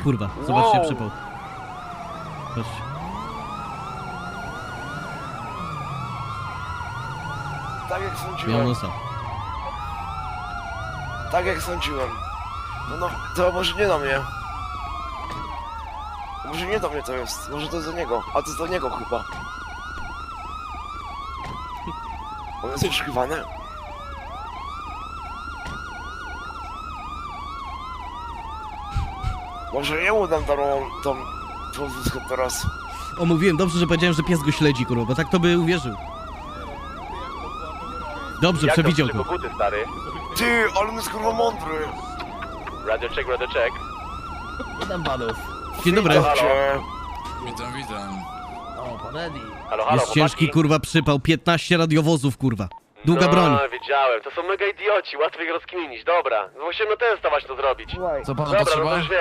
kurwa. Zobaczcie przypał. Patrzcie. Tak jak Miał sądziłem. nosa. Tak jak sądziłem. No, to może nie do mnie. Może nie do mnie to jest. Może to jest do niego. A to jest do niego chyba. On jest poszukiwany? Może jemu dam tą wózkę teraz. O, mówiłem, dobrze, że powiedziałem, że pies go śledzi, kurwa, bo tak to by uwierzył. Dobrze, przewidział to. Buty, stary. Ty, ale on jest kurwa mądry. Radio check. Witam panów. Dzień dobry. Witam cię. Witam. O, pan Eddie. Halo, Jest ciężki, kurwa, przypał. 15 radiowozów, kurwa. Długa broń. No, wiedziałem. To są mega idioci, łatwo ich rozkminić. Dobra, musimy testować to zrobić. Co panu Dobra, no potrzeba? to już wiem.